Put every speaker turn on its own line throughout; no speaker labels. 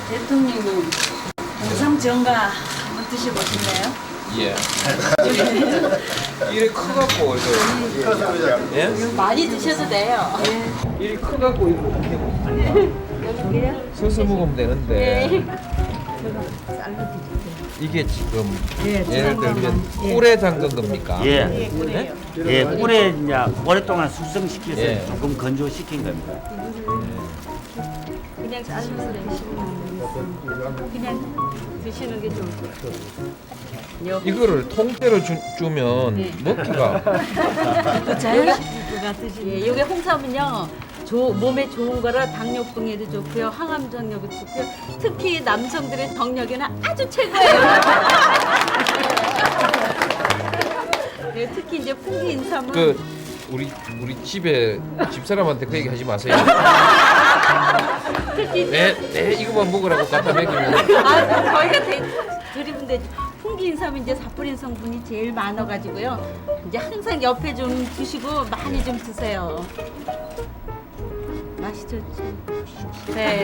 대통령님 동상 정가 한번 드셔보실래요?
예. 이래 커갖고 이거 예?
많이 드셔도 돼요.
이리 커갖고 이렇게
여기요?
서서 먹으면 되는데
네.
이게 지금
예,
예를 들면 꿀에 담근 겁니까?
예,
네?
예, 꿀에 이제 오랫동안 숙성시켜서
예.
조금 건조시킨 겁니다.
그냥 잘라서 그냥 드시는 게 좋을 것 같아요.
이거를 통째로 주면 먹기가
자연식구가 드시는. 예, 이게 홍삼은요. 몸에 좋은 거라 당뇨병에도 좋고요, 항암 정력에도 좋고요. 특히 남성들의 정력에는 아주 최고예요. 네, 특히 이제 풍기 인삼은
그 우리 집에 집사람한테 그 얘기 하지 마세요.
특히
내 이거만 먹으라고 갖다 먹이면
저희가 드리면 되죠. 풍기인삼은 이제 사포닌 성분이 제일 많아가지고요. 이제 항상 옆에 좀 두시고 많이 좀 드세요. 맛이 좋죠. 네.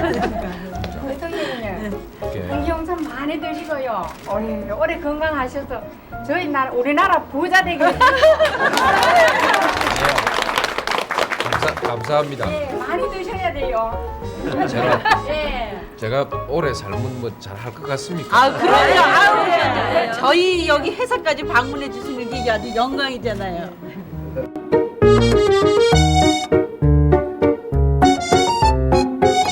대통령님,
이렇게
풍기홍삼 많이 드시고요. 오래 건강하셔서 저희 나라 우리나라 부자 되게
감사합니다.
예, 많이 드셔야 돼요.
제가 오래 살면 뭐 잘 할 것 같습니까?
아, 그럼요. 아우, 저희 여기 회사까지 방문해 주시는 게 아주 영광이잖아요.